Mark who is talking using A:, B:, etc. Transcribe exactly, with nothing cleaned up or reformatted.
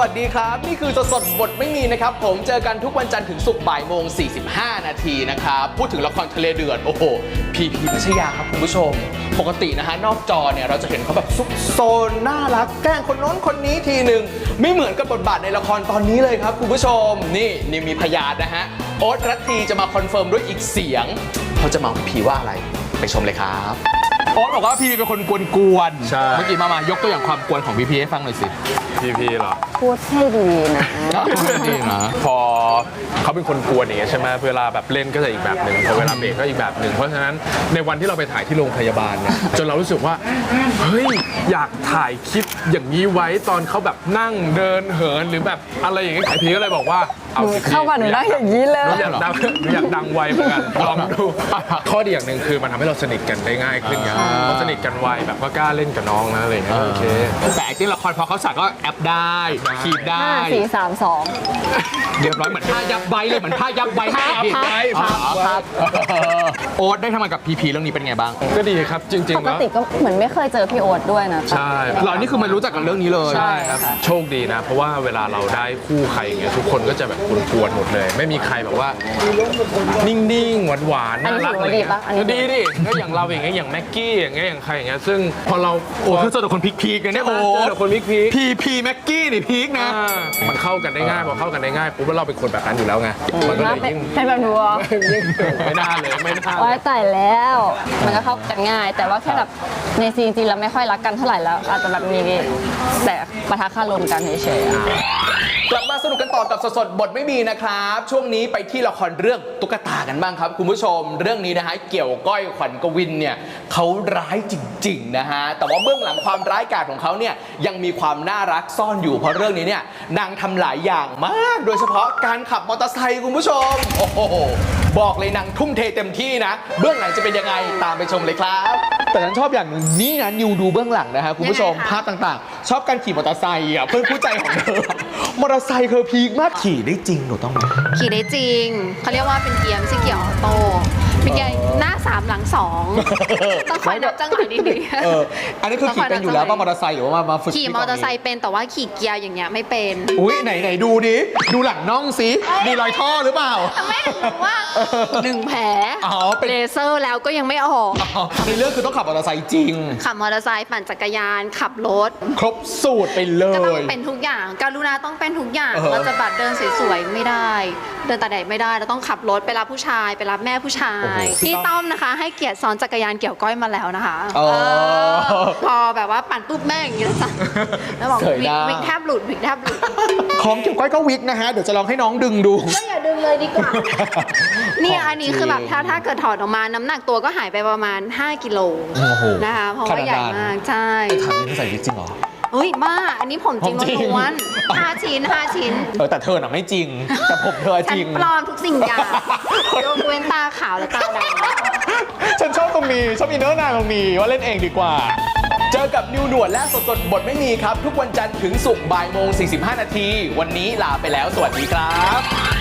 A: สดีครับนี่คือสดสดบทไม่มีนะครับผมเจอกันทุกวันจันทร์ถึงศุกร์บ่ายโมงสี่สิบห้านาทีนะครับพูดถึงละครทะเลเดือดโอ้โหพีพีพัชยาครับคุณผู้ชมปกตินะฮะนอกจอเนี่ยเราจะเห็นเขาแบบซุกโซนน่ารักแกล้งคนโน้นคนนี้ทีหนึ่งไม่เหมือนกับบทบาทในละครตอนนี้เลยครับคุณผู้ชมนี่นี่มีพยานนะฮะโอ๊ตรัตทีจะมาคอนเฟิร์มด้วยอีกเสียงเขาจะมาพีว่าอะไรไปชมเลยครับโอ๊ตบอกว่าพีพีเป็นคนกวนๆ
B: ใช่
A: เมื่อกี้มามายกตัวอย่างความกวนของพีพีให้ฟังหน่อยสิ
B: พีพีเหรอ
C: พูดให้ดีนะ
A: ดีนะ
B: พอเขาเป็นคนกวนอย่างเงี้ยใช่ไหมเวลาแบบเล่นก็จะอีกแบบหนึ่งพอเวลาเบรกก็อีกแบบหนึ่งเพราะฉะนั้นในวันที่เราไปถ่ายที่โรงพยาบาลเนี่ยจนเรารู้สึกว่าเฮ้ยอยากถ่ายคลิปอย่างนี้ไว้ตอนเขาแบบนั่งเดินเหินหรือแบบอะไรอย่างเงี้ยไอพีก็เลยบอกว่าเอาสิ
C: เข้ามาหนูนั่งอย่างนี้เลย
B: หนูอยากดังหนูอยากดังไวเหมือนกันลองดูข้อดีอย่างหนึ่งคือมันทำให้เราสนิทกันได้ง่ายขึ้นไงพอสนิทกันไวแบบก็กล้าเล่นกับน้องนะอะไรอย่างเงี้ยโอเค
A: แต่ที่ละครพอเขาสั่งก็แอปได้ขีดได้
C: ห้าสี่สามสอง
A: เรียบร้อยเหมือนผ้ายับใบเลยเหมือนผ้ายับใบให้
B: พับไว้พับไว้
A: โอ๊ตได้ทำงานกับพีพีเรื่องนี้เป็นไงบ้าง
B: ก็ดีครับจริง
C: ป
B: ๆ
C: ก
B: แล้ว
C: ติก็เหมือนไม่เคยเจอพี่โอ๊ตด้วยนะ
B: ใช่
A: หรอนี่คือมันรู้จักกันเรื่องนี้เลย
B: ใช่ครับโชคดีนะ เพราะว่าเวลาเราได้คู่ใครอย่างเงี้ยทุกคนก็จะแบบกวนๆหมดเลย ไม่มีใครแบบว่า นิ่งๆหวานๆน่ารักอะไรเงี้ยดีดิก็อย่างเราอย่างเงี้ยอย่างแม็กกี้อย่างเงี้ยอย่างใครอย่างเงี้ยซึ่งพอเรา
A: โอ้คือเจอแต่คนพีคพีกันเนี่ยโอ้
B: เจอคนพีคพี
A: พีพีแม็กกี้นี่พีคนะ
B: มันเข้ากันได้ง่ายพอเข้ากันได้ง่ายปุ๊บแล้วเราเป็นคนแบบนั้นอยู่แล้วไงมันก็เลยยิ่ง
C: เป็นแบบนัว
B: ยิ่งไม่น่าเลยไม่น่า
C: ไว้แต่แล้ว มันก็เข้ากันง่าย แต่ว่าแค่แบบในซีนจริงเราไม่ค่อยรักกันเท่าไหร่แล้ว อาจจะแบบมีแต่ปะทะคารมกันเฉยๆอะ
A: กลับมาสนุกกันต่อกับสดๆบทไม่มีนะครับช่วงนี้ไปที่ละครเรื่องตุ๊กตากันบ้างครับคุณผู้ชมเรื่องนี้นะฮะเกี่ยวก้อยขวัญกวินเนี่ยเขาร้ายจริงๆนะฮะแต่ว่าเบื้องหลังความร้ายกาจของเขาเนี่ยยังมีความน่ารักซ่อนอยู่เพราะเรื่องนี้เนี่ยนางทำหลายอย่างมากโดยเฉพาะการขับมอเตอร์ไซค์คุณผู้ชมโอ้โหบอกเลยนางทุ่มเทเต็มที่นะเบื้องหลังจะเป็นยังไงตามไปชมเลยครับแต่ฉันชอบอย่างหนึ่งนี่นะนิวดูเบื้องหลังนะฮะคุณผู้ชมภาพต่างๆ ชอบการขี่มอเตอร์ไซค์อ่ะเพื่อนผู้ใจของเธอมอเตอร์ไซค์เธอพีคมากขี่ได้จริงหนูต้องไหม
D: ขี่ได้จริง เขาเรียกว่าเป็นเกียร์ไม่ใช่เกียร์ออโต้เป็นเกียร์หน้าสามหลังสองต้องคอยนับจังหวะดี
A: เอออันนี้คือขี่เป็นอยู่แล้วป่ะมอเตอร์ไซค์หรือว่ามามาฝึก
D: ๆขี่มอเตอร์ไซค์เป็นแต่ว่าขี่เกียร์อย่างเงี้ยไม่เป็น
A: อุ้ยไหนไหนดูดิดูหลังน่องสิมีรอยท่อหรือเปล่า
D: ไม่ถึงว่าหนึ่งแผล
A: อ๋อเป็น
D: เลเซอร์แล้วก็ยังไม่ออก
A: อ๋อในเรื่องคือต้องขับมอเตอร์ไซค์จริง
D: ขับมอเตอร์ไซค์ปั่นจักรยานขับรถ
A: ครบสูตรไปเล
D: ก็ต้อง
A: ย
D: เป็นทุกอย่างการุณาต้องเป็นทุกอย่าง
A: เออ
D: เราจะแบบเดินสวยๆไม่ได้ เดินตาแดดไม่ได้เราต้องขับรถไปรับผู้ชายไปรับแม่ผู้ชายพี่ต้อมนะคะ ให้เกียรติซ้อนจักรยานเกี่ยวก้อยมาแล้วนะคะ
A: อ๋อ
D: เออพอแบบว่าปั่นปุ๊บแม่อย่างนี้แล้วจ้ะแล้วบอก
A: เสย
D: วิ
A: ห
D: ก
A: น้า
D: วิกแทบหลุดวิกแทบหลุด
A: ของเกี่ยวก้อยก็วิกนะฮะเดี๋ยวจะลองให้น้องดึงดู
D: ก็อย่าดึงเลยดีกว่า นี่
A: ของ
D: อันนี้คือแบบ
A: จริง
D: ถ้าถ้าเกิดถอดออกมาน้ำหนักตัวก็หายไปประมาณห้ากิโล
A: โอ้โห
D: นะคะเพราะว่าใหญ่มากใช่
A: ถามนี่ใส่วิกจริงเหรอ
D: เฮ้ยบ้าอันนี้ผมจริง
A: ผมจริง
D: ล้วนๆห้าชิ้นห้าชิ้น
A: เออแต่เธอน่ะไม่จริง แต่ผมเธอ
D: ฉั
A: จ
D: น
A: ริง
D: ปลอมทุกสิ่งอย่างยกเว้นตาขาวและตาดำ
A: ฉันชอบตรงนี้ชอบอินเนอร์นางตรงนี้ว่าเล่นเองดีกว่า เจอกับนิวหนวดและสดสดบทไม่มีครับ ทุกวันจันทร์ถึงศุกร์บ่ายโมงสี่สิบห้านาทีวันนี้ลาไปแล้วสวัสดีครับ